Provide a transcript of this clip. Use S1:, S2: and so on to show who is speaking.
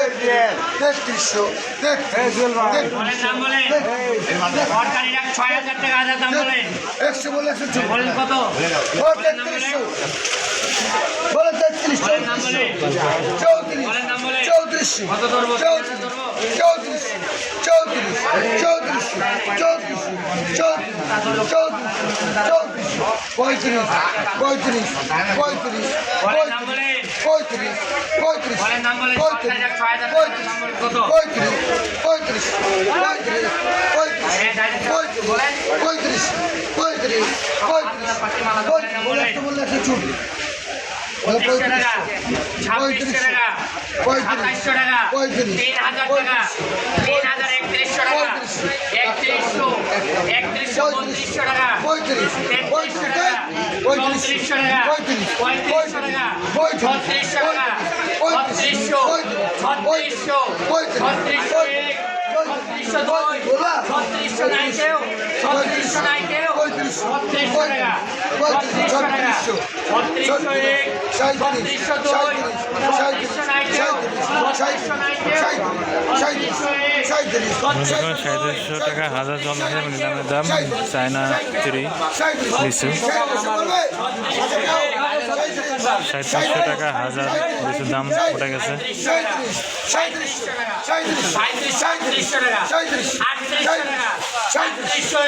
S1: তেত্রিশশো
S2: বলেন দাম বলেন সরকারি রাখ ৬,০০০ টাকা হাজার দাম বলেন
S1: একশো বলে একশো
S2: বলেন কত
S1: তেত্রিশশো বলে তেত্রিশশো
S2: বলেন দাম বলেন
S1: চৌত্রিশ
S2: বলেন দাম বলেন
S1: চৌত্রিশ
S2: কত ধরবো
S1: চৌত্রিশ চৌত্রিশ চৌত্রিশ চৌত্রিশ চৌত্রিশ চৌত্রিশ চৌত্রিশ পঁয়ত্রিশ পঁয়ত্রিশ পঁয়ত্রিশ
S2: বলেন দাম বলেন
S1: পঁয়ত্রিশ পঁয়ত্রিশ
S2: বলেন দাম বলেন
S1: পঁয়ত্রিশ
S2: ৬,০০০ দাম বলেন কত
S1: পঁয়ত্রিশ পঁয়ত্রিশ পঁয়ত্রিশ
S2: বলেন
S1: পঁয়ত্রিশ পঁয়ত্রিশ পঁয়ত্রিশ বলে একশো চুপ
S2: ২৫০০ টাকা ২৬০০ টাকা ২৭০০ টাকা ৩,০০০ টাকা ৩,০৩১ টাকা ৩১০০ ৩১০০ টাকা ৩৩০০ টাকা ৩৪০০ টাকা ৩৫০০ টাকা ৩৬০০ টাকা ৩৬০০ ৩৬০০ ৩৬০০ নাই কেউ ৩৬০০ নাই কেউ ৩৬০০ টাকা ৩৬০০ টাকা ৩৬০০ এক ৩৬০০ দুই ৩৬০০ নাই কেউ ৩৬০০ নাই কেউ ৩৬০০ এক
S3: 3700 টাকা হাজার চল্লিশ দামের দাম চায়না থ্রি লিচু 3700 টাকা হাজার লিচুর দাম উঠে গেছে
S2: ৩৭০০ টাকা ৩৭০০ টাকা ৩৮০০ টাকা ৩৮০০